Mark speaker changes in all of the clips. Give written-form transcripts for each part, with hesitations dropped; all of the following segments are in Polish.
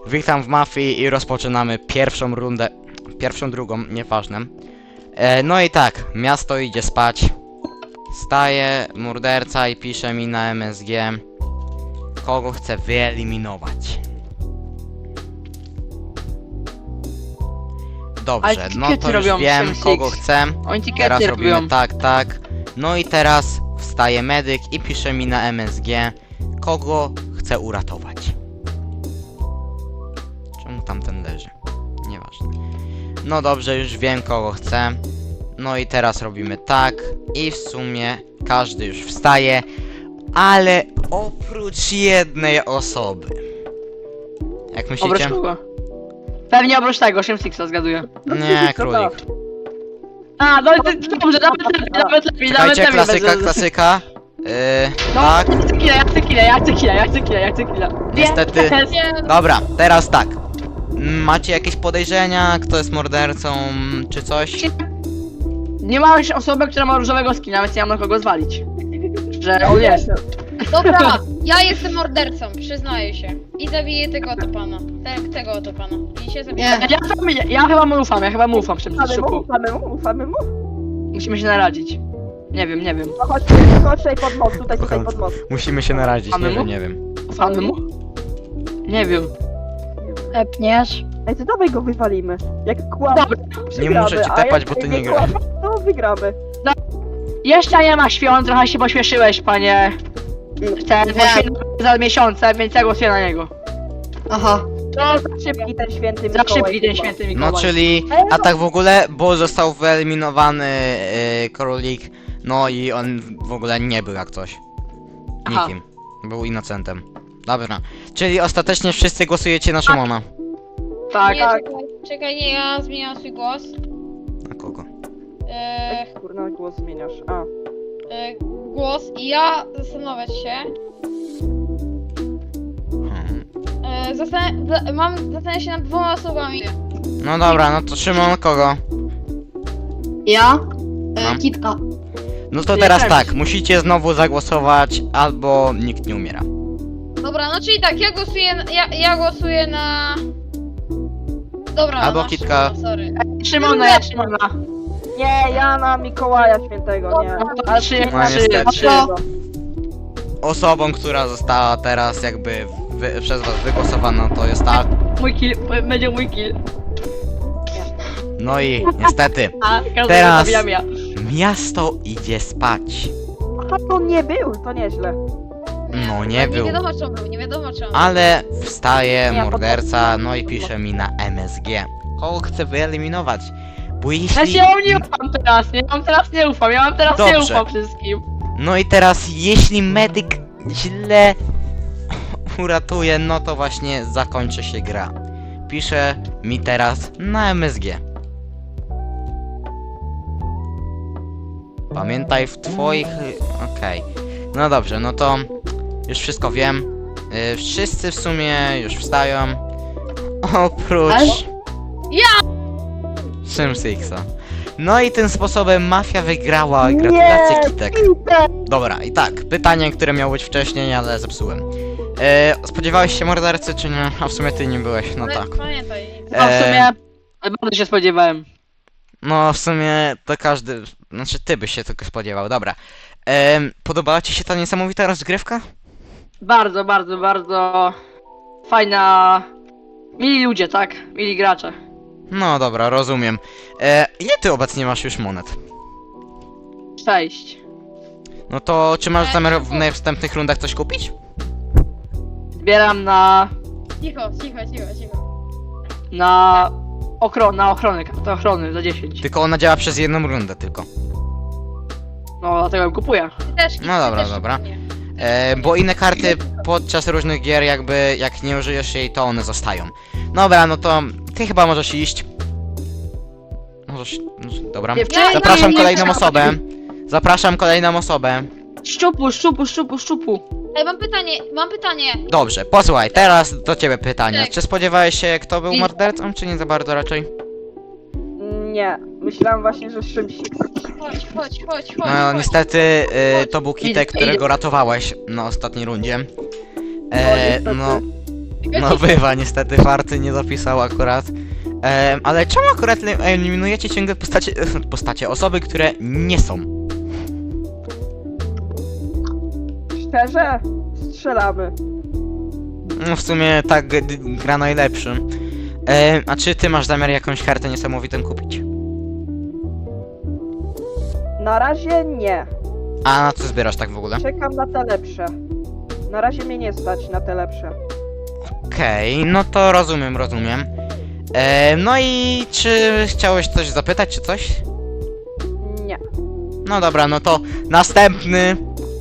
Speaker 1: Witam w mafii i rozpoczynamy pierwszą rundę. Pierwszą, drugą, nieważne. No i tak, miasto idzie spać. Staje morderca i pisze mi na MSG, kogo chce wyeliminować. Dobrze, no to już wiem, kogo chcę. Teraz robimy tak. No i teraz wstaje medyk i pisze mi na MSG, kogo chce uratować. Czemu tamten leży? Nieważne. No dobrze, już wiem, kogo chcę. No i teraz robimy tak. I w sumie każdy już wstaje, ale oprócz jednej osoby. Jak myślicie?
Speaker 2: Oprócz kogo? Pewnie oprócz tego, Shimsixa zgaduję.
Speaker 1: Nie, królik.
Speaker 2: A, no dobrze, nawet lepiej.
Speaker 1: Czekajcie, klasyka.
Speaker 2: No,
Speaker 1: Tak.
Speaker 2: ja chcę killa.
Speaker 1: Niestety. Dobra, teraz tak. Macie jakieś podejrzenia, kto jest mordercą, czy coś?
Speaker 2: Nie ma już osoby, która ma różowego skina, więc nie mam na kogo zwalić. Że on jest.
Speaker 3: Dobra, ja jestem mordercą, przyznaję się. I zabiję tego oto pana. Tego oto pana. I się zabiję.
Speaker 2: Ja chyba mu ufam, Shimsixu.
Speaker 4: Ufamy mu?
Speaker 2: Musimy się naradzić. Nie wiem.
Speaker 4: No chodź tutaj pod most, tutaj pod most.
Speaker 1: Musimy się naradzić,
Speaker 2: Mamy mu?
Speaker 1: nie wiem.
Speaker 2: Ufamy mu? Nie wiem.
Speaker 3: Epniesz.
Speaker 4: Ej, to dawaj go wywalimy. Jak kłamie,
Speaker 2: Dobra.
Speaker 1: Nie muszę ci tepać, bo ty nie grasz.
Speaker 4: kłamie, to wygramy.
Speaker 2: Jeszcze nie ma świąt, trochę się pośpieszyłeś, panie. Za miesiące, więc ja głosuję na niego.
Speaker 3: Aha.
Speaker 4: No, za szybki ten święty
Speaker 2: Za
Speaker 4: Mikołaj.
Speaker 2: szybki ten święty Mikołaj.
Speaker 1: No czyli, a tak w ogóle, bo został wyeliminowany królik, no i on w ogóle nie był jak coś.
Speaker 2: Aha.
Speaker 1: Nikim. Był innocentem. Dobra. Czyli ostatecznie wszyscy głosujecie na Szymona.
Speaker 2: Tak,
Speaker 3: Nie, czekaj, nie, ja zmieniam swój głos.
Speaker 1: Na kogo?
Speaker 4: Kurna, głos zmieniasz. A.
Speaker 3: Głos i ja zastanowić się. Zastanawiam się nad dwoma osobami.
Speaker 1: No dobra, no to Szymon kogo?
Speaker 3: Ja?
Speaker 1: No.
Speaker 3: Kitka.
Speaker 1: No to
Speaker 2: Nie
Speaker 1: teraz
Speaker 2: przemyśl.
Speaker 1: tak, musicie znowu zagłosować, albo nikt nie umiera.
Speaker 3: Dobra, no czyli tak, ja głosuję na... Dobra,
Speaker 1: Albo
Speaker 3: na
Speaker 1: Kitka.
Speaker 3: Szymona, sorry.
Speaker 2: Szymona.
Speaker 4: Nie, ja na Mikołaja świętego, nie. Ale
Speaker 1: No niestety.
Speaker 2: Trzy.
Speaker 1: Osobą, która została teraz jakby przez was wygłosowana, to jest ta.
Speaker 2: Mój kill, będzie mój kill.
Speaker 1: No i niestety,
Speaker 2: A każdego
Speaker 1: Teraz-
Speaker 2: zabijam ja.
Speaker 1: miasto idzie spać.
Speaker 4: Aha, to nie był, to nieźle.
Speaker 1: No nie był.
Speaker 3: Nie wiadomo czemu, nie wiadomo czemu.
Speaker 1: Ale wstaje
Speaker 4: Ja
Speaker 1: morderca, no i pisze mi na MSG. Kogo chce wyeliminować? Bo
Speaker 2: Ja
Speaker 1: jeśli...
Speaker 2: się nie ufam teraz, nie? Nie
Speaker 1: Dobrze.
Speaker 2: ufam wszystkim.
Speaker 1: No i teraz, jeśli medyk źle uratuje, no to właśnie zakończy się gra. Pisze mi teraz na MSG. Pamiętaj w twoich... Okej. No dobrze, no to już wszystko wiem. Wszyscy w sumie już wstają. Oprócz...
Speaker 3: Ale-
Speaker 1: Shimsixa. No i tym sposobem mafia wygrała. Gratulacje, Kitek. Dobra, i tak, pytanie, które miało być wcześniej, ale zepsułem. Spodziewałeś się mordercy, czy nie? A w sumie ty nie byłeś, no
Speaker 3: Ale
Speaker 1: tak.
Speaker 3: Pamiętaj.
Speaker 2: No w sumie bardzo się spodziewałem.
Speaker 1: No w sumie to każdy, znaczy ty byś się tylko spodziewał, dobra. Podobała ci się ta niesamowita rozgrywka?
Speaker 2: Bardzo fajna. Mili ludzie, tak? Mili gracze.
Speaker 1: No dobra, rozumiem. Ile ty obecnie masz już monet?
Speaker 2: 6.
Speaker 1: No to czy masz zamiar w następnych rundach coś kupić?
Speaker 2: Zbieram na
Speaker 3: Cicho.
Speaker 2: kartę ochrony za 10.
Speaker 1: Tylko ona działa przez jedną rundę tylko.
Speaker 2: No dlatego ją kupuję.
Speaker 3: Ty też,
Speaker 1: No dobra,
Speaker 3: ty też
Speaker 1: dobra.
Speaker 3: nie.
Speaker 1: Bo inne karty podczas różnych gier jakby, jak nie użyjesz jej, to one zostają. Dobra, no to ty chyba możesz iść. Możesz, dobra.
Speaker 2: Dziewczyny,
Speaker 1: Zapraszam
Speaker 2: nie
Speaker 1: kolejną
Speaker 2: trzeba.
Speaker 1: osobę. Zapraszam kolejną osobę.
Speaker 2: Szczupu.
Speaker 3: Ej, mam pytanie.
Speaker 1: Dobrze, posłuchaj, teraz do ciebie pytanie.
Speaker 3: Tak.
Speaker 1: Czy spodziewałeś się, kto był
Speaker 2: I-
Speaker 1: mordercą, czy nie za bardzo raczej?
Speaker 4: Nie, myślałem właśnie, że Shimsix.
Speaker 3: Chodź.
Speaker 1: No niestety to był Kitek,
Speaker 2: Idę.
Speaker 1: którego ratowałeś na ostatniej rundzie.
Speaker 4: niestety.
Speaker 1: No No bywa, niestety Farty nie dopisał akurat. Ale czemu akurat eliminujecie ciągle osoby, które nie są?
Speaker 4: Szczerze? Strzelamy.
Speaker 1: No w sumie tak gra najlepszy. A czy ty masz zamiar jakąś kartę niesamowitą kupić?
Speaker 4: Na razie nie.
Speaker 1: A na co zbierasz tak w ogóle?
Speaker 4: Czekam na te lepsze. Na razie mnie nie stać na te lepsze.
Speaker 1: Okej, no to rozumiem. No i czy chciałeś coś zapytać, czy coś?
Speaker 4: Nie.
Speaker 1: No dobra, no to następny.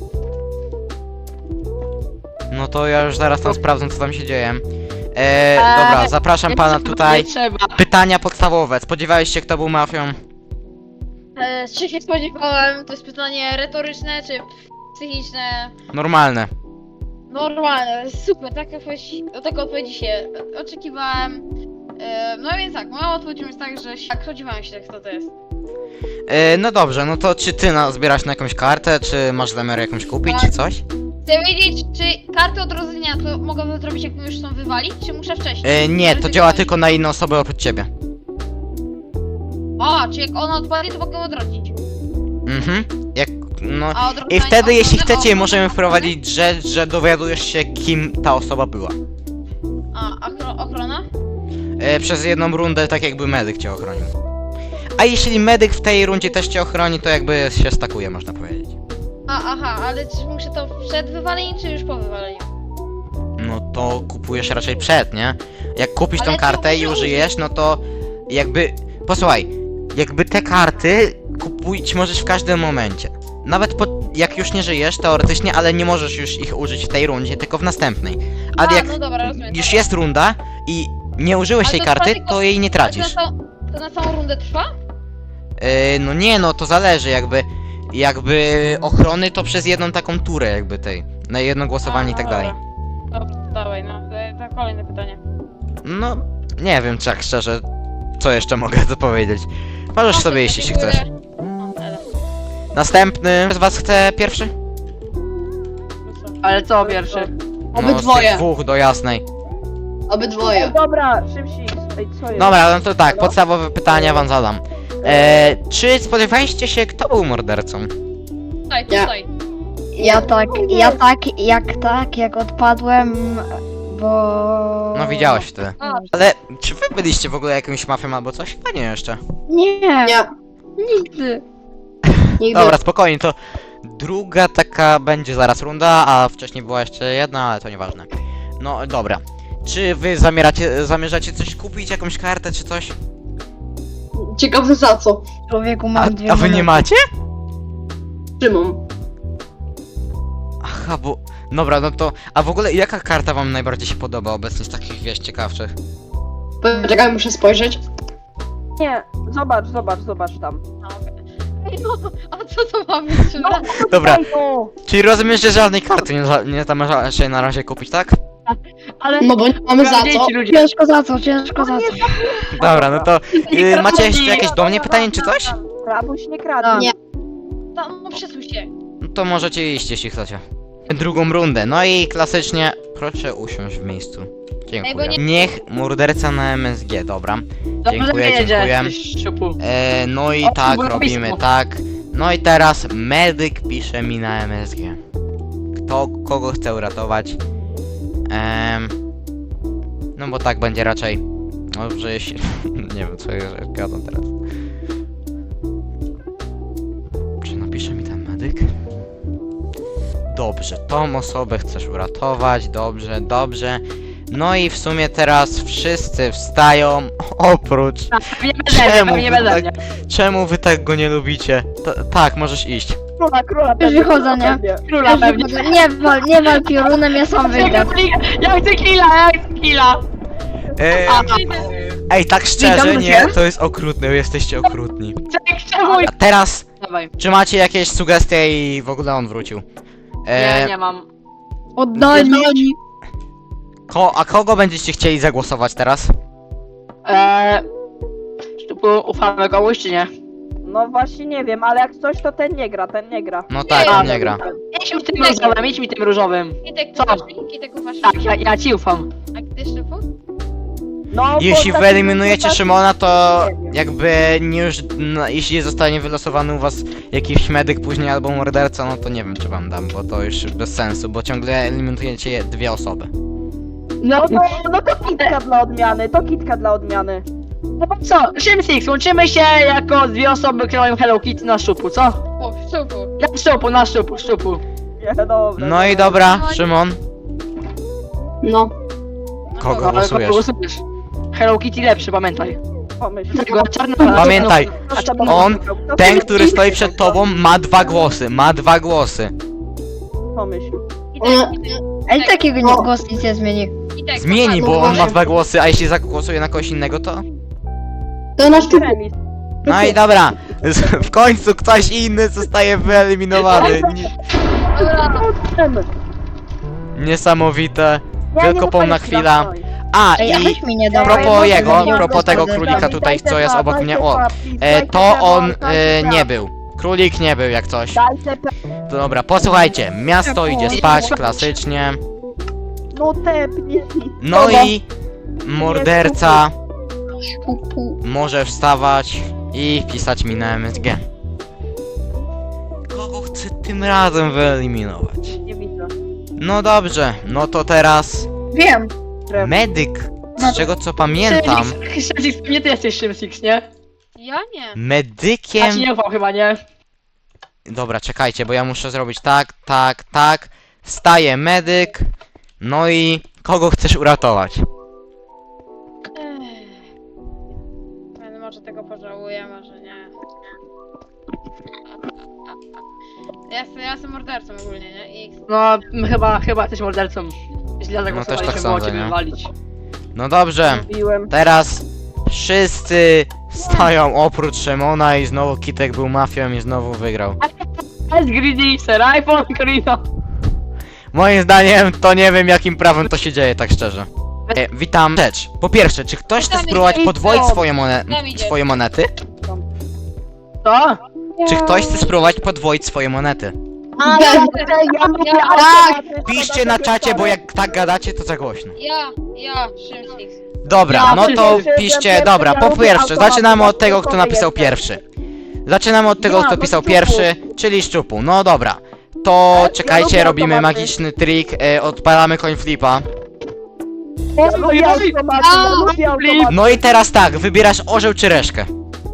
Speaker 1: No to ja już zaraz tam sprawdzę, co tam się dzieje. Dobra, zapraszam pana tutaj.
Speaker 2: Nie trzeba.
Speaker 1: Pytania podstawowe. Spodziewałeś się, kto był mafią?
Speaker 3: Czy się spodziewałem? To jest pytanie retoryczne, czy psychiczne?
Speaker 1: Normalne.
Speaker 3: Normalne, super, do tego odpowiedzi się oczekiwałem. No więc tak, moja odpowiedź jest tak, że spodziewałem się, kto to jest.
Speaker 1: No dobrze, no to czy ty zbierasz na jakąś kartę, czy masz zamiar jakąś kupić, czy coś?
Speaker 3: Chcę wiedzieć, czy karty odrodzenia to mogę to zrobić, jak mi już są wywalić, czy muszę wcześniej?
Speaker 1: Nie, to działa tylko na inne osoby oprócz ciebie.
Speaker 3: A, czy jak ona odpadnie, to mogę odrodzić.
Speaker 1: Mhm. No.
Speaker 3: A
Speaker 1: I
Speaker 3: odrodzenie
Speaker 1: wtedy, jeśli
Speaker 3: ochrony-
Speaker 1: chcecie, możemy
Speaker 3: ochrony-
Speaker 1: wprowadzić rzecz, że dowiadujesz się, kim ta osoba była.
Speaker 3: A, ochrona?
Speaker 1: Przez jedną rundę, tak jakby medyk cię ochronił. A jeśli medyk w tej rundzie też cię ochroni, to jakby się stakuje, można powiedzieć.
Speaker 3: Aha, ale czy muszę to przed wywaleniem, czy już po wywaleniu?
Speaker 1: No to kupujesz raczej przed, nie? Jak kupisz
Speaker 3: Ale
Speaker 1: tą
Speaker 3: to
Speaker 1: kartę i
Speaker 3: muszę
Speaker 1: użyjesz, no to jakby... Posłuchaj, jakby te karty kupić możesz w każdym momencie. Nawet jak już nie żyjesz, teoretycznie, ale nie możesz już ich użyć w tej rundzie, tylko w następnej. Ale jak
Speaker 3: no dobra, rozumiem.
Speaker 1: już
Speaker 3: dobra.
Speaker 1: jest runda i nie użyłeś
Speaker 3: Ale
Speaker 1: tej
Speaker 3: to
Speaker 1: karty,
Speaker 3: trwa
Speaker 1: to
Speaker 3: tylko-
Speaker 1: jej nie tracisz.
Speaker 3: To na całą rundę trwa?
Speaker 1: No nie, no to zależy, jakby ochrony to przez jedną taką turę jakby tej, na jedno głosowanie i tak dalej.
Speaker 3: Dobra, dawaj, no, to kolejne pytanie.
Speaker 1: No, nie wiem, tak szczerze, co jeszcze mogę dopowiedzieć. Możesz sobie iść, jeśli chcesz. Następny z was chce pierwszy?
Speaker 2: Ale co pierwszy?
Speaker 1: No, z tych dwóch do jasnej.
Speaker 4: O, dobra, szybciej. Ej, co jest?
Speaker 1: Dobra, no to tak, podstawowe pytania wam zadam. Czy spodziewaliście się, kto był mordercą?
Speaker 3: Tutaj.
Speaker 5: Jak odpadłem, bo...
Speaker 1: No widziałeś wtedy.
Speaker 3: A,
Speaker 1: Ale czy wy byliście w ogóle jakimś mafią albo coś? Chyba nie jeszcze.
Speaker 5: Nie, nigdy.
Speaker 1: Dobra, spokojnie, to druga taka będzie zaraz runda, a wcześniej była jeszcze jedna, ale to nieważne. No dobra. Czy wy zamierzacie coś kupić, jakąś kartę czy coś?
Speaker 6: Ciekawe za co?
Speaker 5: Człowieku
Speaker 1: A,
Speaker 5: mam dwie
Speaker 1: a wy nie
Speaker 5: monety.
Speaker 1: macie?
Speaker 6: Trzymam.
Speaker 1: Aha, bo... Dobra, no to... A w ogóle jaka karta wam najbardziej się podoba obecnie z takich, wiesz, ciekawszych?
Speaker 6: Poczekaj, muszę spojrzeć.
Speaker 4: Nie, zobacz tam.
Speaker 3: a co to ma być?
Speaker 1: Dobra,
Speaker 4: Ej, no.
Speaker 1: czyli rozumiesz, że żadnej karty nie zamierzasz się na razie kupić, tak?
Speaker 2: Ale
Speaker 6: No bo nie mamy za co.
Speaker 2: dzieci ludzie.
Speaker 5: Ciężko za co, ciężko za co.
Speaker 1: Dobra, no to... macie jeszcze jakieś do mnie pytanie czy coś?
Speaker 4: Rabuś nie kradnie.
Speaker 6: Nie.
Speaker 3: No przesuń się.
Speaker 1: No to możecie iść, jeśli chcecie. Drugą rundę, no i klasycznie... Proszę usiąść w miejscu. Dziękuję.
Speaker 3: bo nie-
Speaker 1: Niech morderca na MSG, dobra.
Speaker 2: Dobrze,
Speaker 1: Dziękuję,
Speaker 2: że jedzie,
Speaker 1: dziękuję.
Speaker 2: ty szczupu.
Speaker 1: No i
Speaker 2: O,
Speaker 1: tak,
Speaker 2: było
Speaker 1: robimy
Speaker 2: blisko.
Speaker 1: tak. No i teraz medyk pisze mi na MSG. Kogo chce uratować? No bo tak będzie raczej. Dobrze, jeśli... nie wiem, co ja gadam teraz. Czy napisze mi ten medyk? Dobrze, tą osobę chcesz uratować, dobrze. No i w sumie teraz wszyscy wstają, oprócz... Czemu wy tak go nie lubicie? Tak, możesz iść.
Speaker 4: Króla,
Speaker 5: Już wychodzę, nie?
Speaker 2: Króla pewnie.
Speaker 5: Nie wal piorunem, ja sam wygram.
Speaker 2: Ja chcę killa!
Speaker 1: Ej, tak szczerze,
Speaker 2: Witam
Speaker 1: nie?
Speaker 2: cię.
Speaker 1: To jest okrutne, jesteście okrutni.
Speaker 2: Czemu?
Speaker 1: A teraz,
Speaker 2: Dawaj.
Speaker 1: czy macie jakieś sugestie i w ogóle on wrócił?
Speaker 2: Nie mam.
Speaker 5: Oddaj mi.
Speaker 1: A kogo będziecie chcieli zagłosować teraz?
Speaker 2: Szczupu, ufamy komuś czy nie?
Speaker 4: No właśnie nie wiem, ale jak coś to ten nie gra.
Speaker 1: No tak,
Speaker 3: Nie,
Speaker 1: on nie gra.
Speaker 2: Idź mi tym różowym, idź mi tym różowym.
Speaker 3: Kitek
Speaker 2: Co?
Speaker 3: ufasz mi? Kitek ufasz mi?
Speaker 2: Tak, ja ci ufam.
Speaker 3: A ty Szczepu?
Speaker 4: No,
Speaker 1: Jeśli
Speaker 4: bo tak-
Speaker 1: wyeliminujecie
Speaker 4: tak-
Speaker 1: Szymona, to
Speaker 4: nie wiem.
Speaker 1: jakby nie już, no, jeśli zostanie wylosowany u was jakiś medyk później albo morderca, no to nie wiem czy wam dam, bo to już bez sensu, bo ciągle eliminujecie dwie osoby.
Speaker 2: No,
Speaker 4: No to kitka dla odmiany,
Speaker 2: no co, Szymsix, łączymy się jako dwie osoby, które mają Hello Kitty na szczupu, co?
Speaker 3: O, Szczepu.
Speaker 2: Na szczupu.
Speaker 4: Nie, dobra.
Speaker 1: No i dobra, Szymon,
Speaker 6: No.
Speaker 1: kogo
Speaker 2: Ale
Speaker 1: głosujesz?
Speaker 2: głosujesz? Hello Kitty lepszy, pamiętaj.
Speaker 4: Pomyśl.
Speaker 2: Tego czarna...
Speaker 1: Pamiętaj, on,
Speaker 4: Kto
Speaker 1: ten,
Speaker 4: sobie
Speaker 1: który stoi przed tobą, ma dwa głosy.
Speaker 4: Pomyśl.
Speaker 5: A i takiego głos nic nie zmieni.
Speaker 3: Kitek,
Speaker 1: Zmieni,
Speaker 3: ufasz
Speaker 1: bo
Speaker 3: mi?
Speaker 1: on ma dwa głosy, a jeśli zagłosuje na kogoś innego, to...
Speaker 6: To nasz tu.
Speaker 4: Remis.
Speaker 1: No i dobra, w końcu ktoś inny zostaje wyeliminowany.
Speaker 3: Dobra.
Speaker 1: Niesamowite.
Speaker 4: Nie,
Speaker 1: Wielkopomna
Speaker 4: nie
Speaker 1: chwila.
Speaker 4: stoi.
Speaker 1: A,
Speaker 5: Ej, a
Speaker 1: i
Speaker 5: weź mi nie
Speaker 1: a
Speaker 5: dawaj.
Speaker 1: propos
Speaker 5: bo
Speaker 1: jego,
Speaker 5: nie
Speaker 1: a
Speaker 5: mam
Speaker 1: propos tego
Speaker 5: głosu
Speaker 1: królika
Speaker 5: dodać.
Speaker 1: tutaj, co jest obok mnie, o, to on nie był. Królik nie był jak coś.
Speaker 4: Dajcie
Speaker 1: To dobra, posłuchajcie, miasto idzie spać, klasycznie.
Speaker 4: No tepnij.
Speaker 1: No i morderca
Speaker 5: Pu, pu.
Speaker 1: może wstawać i wpisać mi na MSG. Kogo chcę tym razem wyeliminować?
Speaker 4: Nie widzę.
Speaker 1: No dobrze, no to teraz
Speaker 5: Wiem.
Speaker 1: medyk, z czego co pamiętam,
Speaker 2: Szymsix, nie ty jesteś Szymsix, nie?
Speaker 3: Ja nie.
Speaker 2: Ja ci
Speaker 1: medykiem...
Speaker 2: nie ufam chyba, nie?
Speaker 1: Dobra, czekajcie, bo ja muszę zrobić tak. Wstaje medyk. No i kogo chcesz uratować?
Speaker 3: Ale może tego pożałuję, może nie. Ja jestem mordercą ogólnie, nie? I
Speaker 2: No, chyba jesteś mordercą. Źle zagłosowaliśmy,
Speaker 1: tak
Speaker 2: było
Speaker 1: sądzę,
Speaker 2: ciebie
Speaker 1: nie?
Speaker 2: wywalić.
Speaker 1: No dobrze,
Speaker 4: Mówiłem.
Speaker 1: teraz wszyscy stoją oprócz Szymona i znowu Kitek był mafią i znowu wygrał.
Speaker 2: Jest greedy, sir, iPhone, Corino.
Speaker 1: Moim zdaniem to nie wiem jakim prawem to się dzieje, tak szczerze. Witam. Rzecz. Po pierwsze, czy ktoś chce
Speaker 3: Witam,
Speaker 1: spróbować
Speaker 3: idzie.
Speaker 1: podwoić
Speaker 3: Tam idzie.
Speaker 1: swoje monety?
Speaker 2: Co?
Speaker 1: Czy ktoś chce spróbować podwoić swoje monety? Piszcie na czacie, bo jak tak gadacie, to za głośno.
Speaker 3: ja, Szymsix.
Speaker 1: Dobra,
Speaker 2: Ja
Speaker 1: no to
Speaker 4: piszę,
Speaker 1: piszcie,
Speaker 4: że
Speaker 1: dobra, po
Speaker 4: lubię
Speaker 1: pierwsze,
Speaker 4: automaty,
Speaker 1: zaczynamy od tego, kto
Speaker 4: to
Speaker 1: napisał
Speaker 4: jestem.
Speaker 1: pierwszy. Zaczynamy od tego,
Speaker 4: Ja,
Speaker 1: kto
Speaker 4: no
Speaker 1: pisał
Speaker 4: Szczupu.
Speaker 1: pierwszy, czyli Szczupu. No dobra, to
Speaker 4: Ja
Speaker 1: czekajcie,
Speaker 4: lubię
Speaker 1: robimy
Speaker 4: automaty.
Speaker 1: magiczny trik, odpalamy coin flipa.
Speaker 4: Ja lubię automaty, ja lubię automaty.
Speaker 1: No i teraz tak, wybierasz orzeł czy reszkę.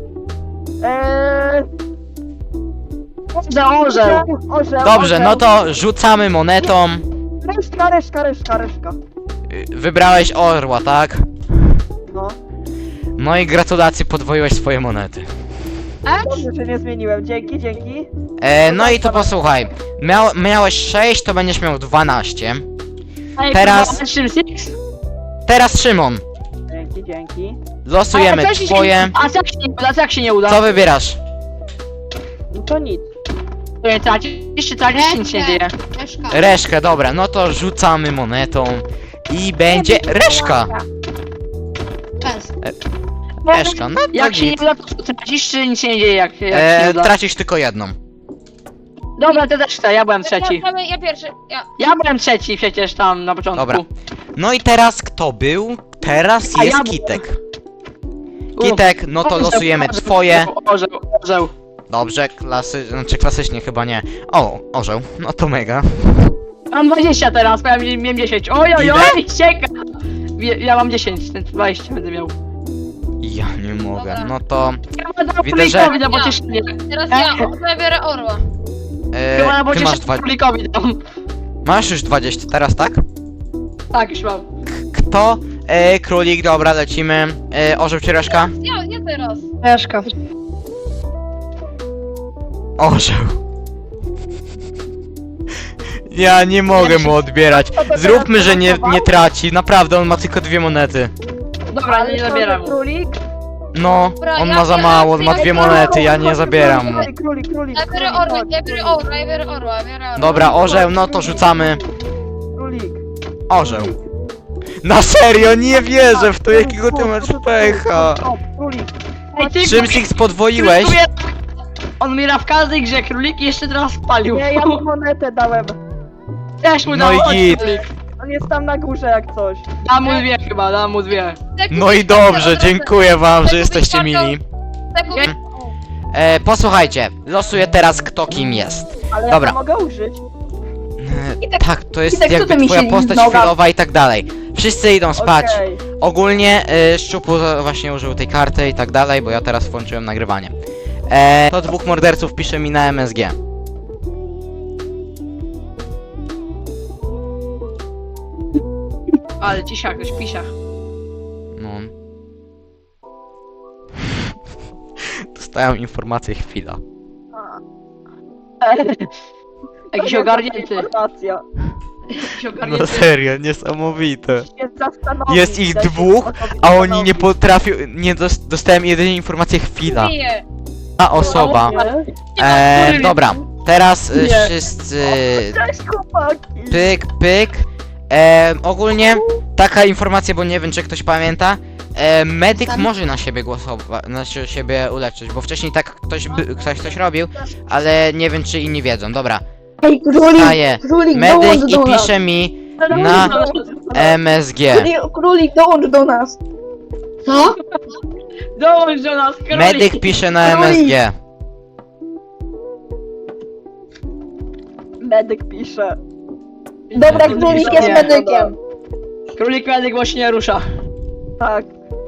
Speaker 4: Orzeł.
Speaker 1: Dobrze, no to rzucamy monetą.
Speaker 4: Reszka.
Speaker 1: Wybrałeś orła, tak?
Speaker 4: No.
Speaker 1: No i gratulacje, podwoiłeś swoje monety.
Speaker 4: Dobrze, że nie zmieniłem. Dzięki.
Speaker 1: No i to posłuchaj, miałeś 6, to będziesz miał 12.
Speaker 2: Ej,
Speaker 1: Teraz-
Speaker 2: kurwa, Szymsix?
Speaker 1: Teraz Szymon,
Speaker 4: Dzięki.
Speaker 1: losujemy
Speaker 2: A co się-
Speaker 1: twoje.
Speaker 2: A co jak się nie uda?
Speaker 1: Co wybierasz?
Speaker 4: No to nic.
Speaker 2: To nie tracisz, czy nic się nie dzieje.
Speaker 3: Reszka.
Speaker 1: Reszkę, dobra, no to rzucamy monetą i będzie reszka.
Speaker 3: Czas.
Speaker 1: Reszka, no to
Speaker 2: Jak się nie
Speaker 1: git.
Speaker 2: uda, to tracisz, czy nic się nie dzieje, jak się nie uda?
Speaker 1: Tracisz tylko jedną.
Speaker 2: Dobra, to też chcę, ja byłem trzeci.
Speaker 3: Ja pierwszy,
Speaker 2: Ja byłem trzeci przecież tam na początku.
Speaker 1: Dobra. No i teraz kto był? Teraz
Speaker 2: A ja
Speaker 1: jest
Speaker 2: byłem.
Speaker 1: Kitek. Kitek, no to losujemy twoje.
Speaker 2: Orzeł.
Speaker 1: Dobrze, klasycznie chyba nie. O, orzeł, no to mega.
Speaker 2: Mam 20 teraz, miałem 10. Oj, cieka! Ja mam 10, ten 20 będę miał.
Speaker 1: Ja nie mogę,
Speaker 3: Dobra.
Speaker 1: no to...
Speaker 2: Ja mam
Speaker 1: Widzę, że-
Speaker 2: królikowi na pocieszenie.
Speaker 3: teraz ja biorę orła.
Speaker 2: Chyba na
Speaker 1: Ty masz
Speaker 2: pocieszenie królikowi dam.
Speaker 1: Masz już 20 teraz, tak?
Speaker 2: Tak, już mam.
Speaker 1: Kto? Królik, dobra, lecimy. Orzeł czy reszka?
Speaker 3: Ja teraz.
Speaker 5: Reszka.
Speaker 1: Orzeł. Ja nie mogę mu odbierać. Zróbmy, że nie traci. Naprawdę, on ma tylko 2 monety.
Speaker 2: Dobra, nie zabieram.
Speaker 4: Królik.
Speaker 1: No,
Speaker 3: Dobra,
Speaker 1: on
Speaker 3: ja
Speaker 1: ma za
Speaker 3: biorę-
Speaker 1: mało, on ma 2 monety, ja nie zabieram mu.
Speaker 4: Królik.
Speaker 3: Ja biorę orła, ja biorę orła.
Speaker 1: Dobra, orzeł, no to rzucamy.
Speaker 4: Królik.
Speaker 1: Orzeł. Na serio, nie wierzę w to, jakiego ty masz pecha.
Speaker 4: Królik.
Speaker 2: Ej, ty,
Speaker 1: Szymsix podwoiłeś.
Speaker 2: On umiera w każdej grze, królik i jeszcze teraz spalił.
Speaker 4: Nie, ja mu monetę dałem.
Speaker 2: Też mu
Speaker 1: No
Speaker 2: dał,
Speaker 1: i
Speaker 2: chodź,
Speaker 1: git.
Speaker 2: królik.
Speaker 4: On jest tam na górze jak coś.
Speaker 2: Dam mu dwie chyba, dam mu dwie.
Speaker 1: No i dobrze, dziękuję wam, że jesteście mili. Posłuchajcie, losuję teraz kto kim jest.
Speaker 4: Ale
Speaker 1: Dobra.
Speaker 4: ja to mogę użyć.
Speaker 1: Tak, to jest
Speaker 5: tak, co
Speaker 1: jakby
Speaker 5: ty mi
Speaker 1: twoja
Speaker 5: się
Speaker 1: postać
Speaker 5: noga-
Speaker 1: chwilowa i tak dalej. Wszyscy idą spać.
Speaker 4: Okej.
Speaker 1: Ogólnie Szczupu właśnie użył tej karty i tak dalej, bo ja teraz włączyłem nagrywanie. To dwóch morderców pisze mi na MSG.
Speaker 2: Ale cisza, ktoś pisze.
Speaker 1: No. Dostałem informację chwila.
Speaker 2: Jakiś ogarnięty.
Speaker 4: Informacja.
Speaker 2: Jakiś
Speaker 1: No
Speaker 2: ogarnięty.
Speaker 1: serio, niesamowite.
Speaker 4: Się zastanowić,
Speaker 1: Jest ich
Speaker 4: da się
Speaker 1: dwóch,
Speaker 4: o sobie
Speaker 1: a oni
Speaker 4: zastanowić.
Speaker 1: nie potrafią, nie dostałem jedynie informację chwila. Ta osoba. Dobra, teraz
Speaker 2: Nie.
Speaker 1: wszyscy
Speaker 4: Cześć chłopaki!
Speaker 1: pyk, pyk. Ogólnie taka informacja, bo nie wiem czy ktoś pamięta. Medyk może na siebie głosować, na siebie uleczyć, bo wcześniej tak ktoś coś robił, ale nie wiem czy inni wiedzą. Dobra,
Speaker 5: Ej, królik,
Speaker 1: staję
Speaker 5: królik,
Speaker 1: medyk
Speaker 5: dołącz
Speaker 1: i
Speaker 5: do nas.
Speaker 1: pisze mi na MSG.
Speaker 5: Królik, dołącz do nas.
Speaker 6: Co?
Speaker 2: Dołącz do nas, królik.
Speaker 1: Medyk pisze na MSG.
Speaker 4: Medyk pisze.
Speaker 5: Dobra, królik jest
Speaker 2: Nie.
Speaker 5: medykiem.
Speaker 2: Królik medyk właśnie nie rusza.
Speaker 4: Tak.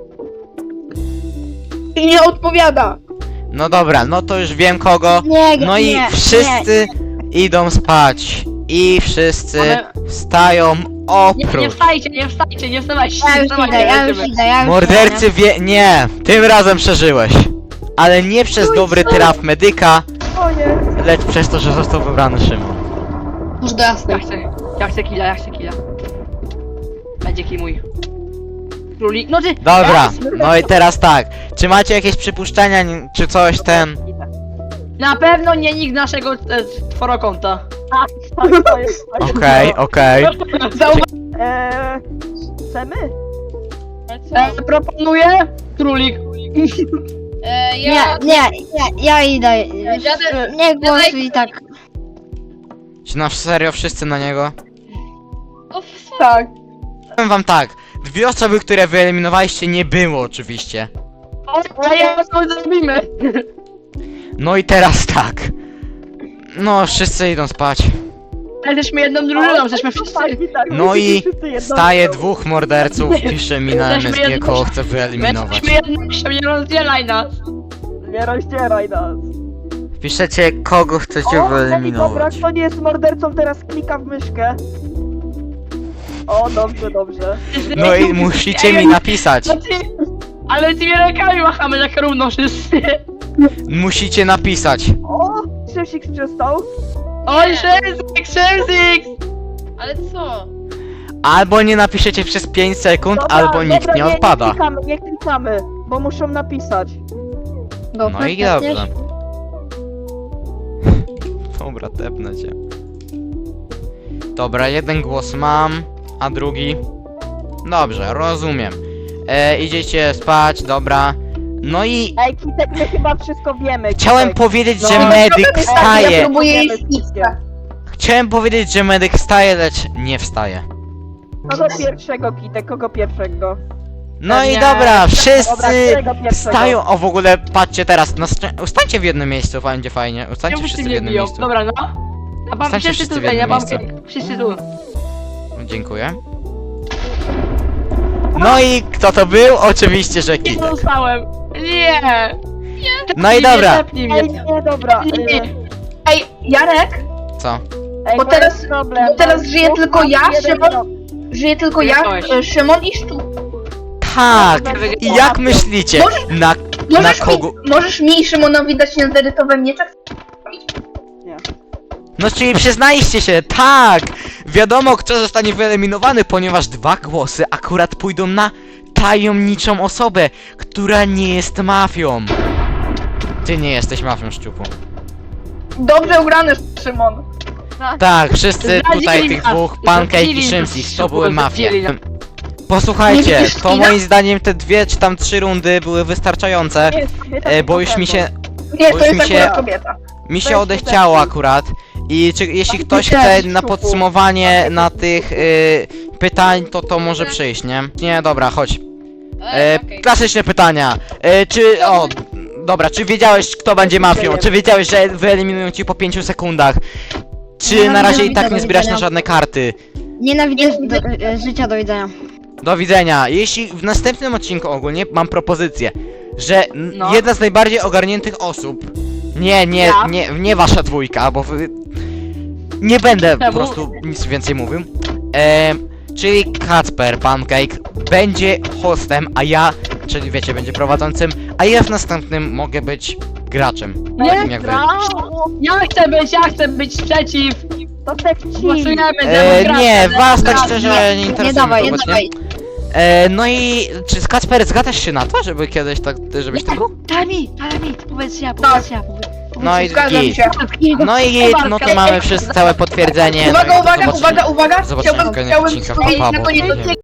Speaker 5: I nie odpowiada.
Speaker 1: No dobra, no to już wiem kogo.
Speaker 5: Nie,
Speaker 1: No i
Speaker 5: nie,
Speaker 1: wszyscy idą spać. I wszyscy
Speaker 2: Ale-
Speaker 1: wstają
Speaker 2: Nie
Speaker 1: oprócz.
Speaker 2: wstajcie, nie wstajcie, nie wstawajcie,
Speaker 5: Ja
Speaker 2: nie
Speaker 5: już
Speaker 2: wstawajcie,
Speaker 5: idę, ja już
Speaker 2: lecimy.
Speaker 5: idę, ja już
Speaker 1: Mordercy nie, tym razem przeżyłeś. Ale nie przez dobry traf medyka,
Speaker 4: O nie.
Speaker 1: lecz przez to, że został wybrany Szymon.
Speaker 6: Może do jasnej.
Speaker 2: Ja chcę killa. Będzie kill mój. Królik, no ty...
Speaker 1: Dobra, no i teraz tak. Czy macie jakieś przypuszczenia, czy coś ten?
Speaker 2: Na pewno nie nikt naszego czworokonta.
Speaker 4: Tak, to jest.
Speaker 1: Okej.
Speaker 4: Chcemy?
Speaker 2: Proponuję królik.
Speaker 5: ja idę.
Speaker 3: Dziadek-
Speaker 5: Nie głosuj i tak.
Speaker 1: Czy na serio wszyscy na niego?
Speaker 4: Tak.
Speaker 1: Powiem wam tak. Dwie osoby, które wyeliminowaliście nie było oczywiście.
Speaker 2: Ale ja co zrobimy?
Speaker 1: No i teraz tak. No, wszyscy idą spać.
Speaker 2: Jesteśmy jedną drużyną, jesteśmy wszyscy.
Speaker 1: No i
Speaker 4: Staje
Speaker 1: staje dwóch morderców, pisze mi na
Speaker 2: Jesteśmy
Speaker 1: MSG,
Speaker 2: jedno-
Speaker 1: kogo chce wyeliminować.
Speaker 2: Jesteśmy jednością, nie rozdzielaj nas.
Speaker 4: Nie rozdzieraj nas.
Speaker 1: Piszecie, kogo chcecie
Speaker 4: O, dobra,
Speaker 1: wyeliminować.
Speaker 4: kto nie jest mordercą, teraz klika w myszkę. O, dobrze.
Speaker 1: No i musicie mi napisać.
Speaker 2: Ale tymi rękami machamy tak równo wszyscy.
Speaker 1: Musicie napisać.
Speaker 4: O, Szymsik przestał.
Speaker 2: Oj, Szemzik!
Speaker 3: Ale co?
Speaker 1: Albo nie napiszecie przez 5 sekund,
Speaker 4: Dobra,
Speaker 1: albo nikt
Speaker 4: dobra,
Speaker 1: nie odpada.
Speaker 4: Nie klikamy, bo muszą napisać.
Speaker 1: No i dobrze. Dobra, tepnę cię. Dobra, jeden głos mam, a drugi... Dobrze, rozumiem. Idziecie spać, dobra. No i
Speaker 4: Ej, Kitek, my chyba wszystko wiemy.
Speaker 1: chciałem
Speaker 4: Kitek.
Speaker 1: powiedzieć,
Speaker 4: No.
Speaker 1: że medyk
Speaker 5: Ja
Speaker 1: wstaje.
Speaker 5: próbuję
Speaker 4: Wiemy
Speaker 5: iść
Speaker 4: wszystkie.
Speaker 1: Chciałem powiedzieć, że medyk wstaje, lecz nie wstaje.
Speaker 4: Kogo pierwszego, Kitek, kogo pierwszego?
Speaker 1: No i
Speaker 2: Nie.
Speaker 1: dobra,
Speaker 4: Dobra,
Speaker 1: wszyscy
Speaker 4: którego pierwszego?
Speaker 1: wstają. O, w ogóle patrzcie teraz, ustańcie w jednym miejscu, będzie fajnie. Ustańcie
Speaker 2: Czemu
Speaker 1: wszyscy w
Speaker 2: mnie
Speaker 1: jednym
Speaker 2: biją?
Speaker 1: miejscu.
Speaker 2: Dobra, no. A pan
Speaker 1: Stańcie
Speaker 2: wszyscy
Speaker 1: wszyscy w
Speaker 2: tutaj, ja
Speaker 1: jednym
Speaker 2: mam
Speaker 1: miejscu.
Speaker 2: wszyscy tu.
Speaker 1: Dziękuję. No i kto to był? Oczywiście, że
Speaker 2: Nie
Speaker 1: Kitek.
Speaker 2: zostałem. Nie.
Speaker 1: No i
Speaker 2: Nie
Speaker 1: dobra.
Speaker 2: zepnij mnie.
Speaker 4: Ej, nie, dobra.
Speaker 2: Nie.
Speaker 5: Ej, Jarek,
Speaker 1: Co?
Speaker 4: Ej,
Speaker 5: Bo
Speaker 4: to
Speaker 5: teraz-
Speaker 4: jest problem.
Speaker 5: bo teraz żyje
Speaker 4: Dwóch
Speaker 5: tylko
Speaker 4: mam
Speaker 5: ja,
Speaker 4: jeden
Speaker 5: Szymon.
Speaker 4: rok.
Speaker 5: żyje tylko ja,
Speaker 2: Wygrałeś.
Speaker 5: Szymon i Szczup.
Speaker 1: Tak! I jak myślicie? Na kogo?
Speaker 5: Możesz mi i Szymonowi dać netherytowe miecze?
Speaker 1: No czyli przyznaliście się, tak! Wiadomo kto zostanie wyeliminowany, ponieważ dwa głosy akurat pójdą na tajemniczą osobę, która nie jest mafią. Ty nie jesteś mafią, Szczupu.
Speaker 5: Dobrze ugrany, Szymon.
Speaker 1: Tak, wszyscy tutaj
Speaker 2: Zdradzili
Speaker 1: tych
Speaker 2: nas,
Speaker 1: dwóch, Pancake i
Speaker 2: zdradzili
Speaker 1: Szymsik,
Speaker 2: nas,
Speaker 1: to były mafie.
Speaker 2: zdradzili nas.
Speaker 1: Posłuchajcie,
Speaker 5: Nie widzisz
Speaker 1: to
Speaker 5: kina?
Speaker 1: moim zdaniem te 2 czy tam 3 rundy były wystarczające,
Speaker 4: Nie, nie, tak
Speaker 1: bo
Speaker 4: na
Speaker 1: już mi
Speaker 4: pewno.
Speaker 1: się
Speaker 5: Nie,
Speaker 1: Bo
Speaker 5: to
Speaker 1: już
Speaker 5: jest
Speaker 1: mi się-
Speaker 5: akurat kobieta.
Speaker 1: Mi się
Speaker 4: Weź
Speaker 1: odechciało akurat. I jeśli ktoś chce na podsumowanie na tych pytań, to może przyjść, nie? Nie, dobra, chodź.
Speaker 3: Okej.
Speaker 1: Klasyczne pytania. Dobra, czy wiedziałeś, kto będzie mafią? Czy wiedziałeś, że wyeliminują ci po 5 sekundach? Czy na razie i tak nie zbierasz na żadne karty?
Speaker 6: Nienawidzę życia, do widzenia.
Speaker 1: Do widzenia. Jeśli w następnym odcinku ogólnie mam propozycję, że
Speaker 2: No.
Speaker 1: jedna z najbardziej ogarniętych osób.
Speaker 2: Ja?
Speaker 1: Nie wasza dwójka, bo wy... Nie będę po
Speaker 2: Czemu?
Speaker 1: prostu nic więcej mówił. Czyli Kacper Pancake będzie hostem, a ja, czyli wiecie, będzie prowadzącym, a ja w następnym mogę być graczem. Takim jak wy.
Speaker 2: Ja chcę być przeciw.
Speaker 4: To sekci.
Speaker 2: Głosujemy
Speaker 1: Nie, was tak
Speaker 2: demokracja.
Speaker 1: szczerze nie
Speaker 6: Nie
Speaker 1: interesuje
Speaker 6: dawaj,
Speaker 1: mnie
Speaker 6: nie
Speaker 1: to obecnie.
Speaker 6: dawaj.
Speaker 1: No i czy Kacper zgadzasz się na to, żeby kiedyś tak, żebyś tam był?
Speaker 2: Daj mi, powiedz ja.
Speaker 1: No i
Speaker 5: Zgadzam
Speaker 1: git.
Speaker 5: się.
Speaker 1: No i git, no to mamy wszyscy całe potwierdzenie.
Speaker 5: Uwaga,
Speaker 1: no i
Speaker 5: uwaga,
Speaker 1: zobaczymy-
Speaker 5: uwaga, uwaga!
Speaker 1: Zobaczymy w kolejnych
Speaker 5: Chciałbym
Speaker 1: odcinkach.
Speaker 5: powiedzieć
Speaker 1: Pa,
Speaker 5: na
Speaker 1: bo
Speaker 5: koniec
Speaker 1: nie wiem.
Speaker 5: odcinka.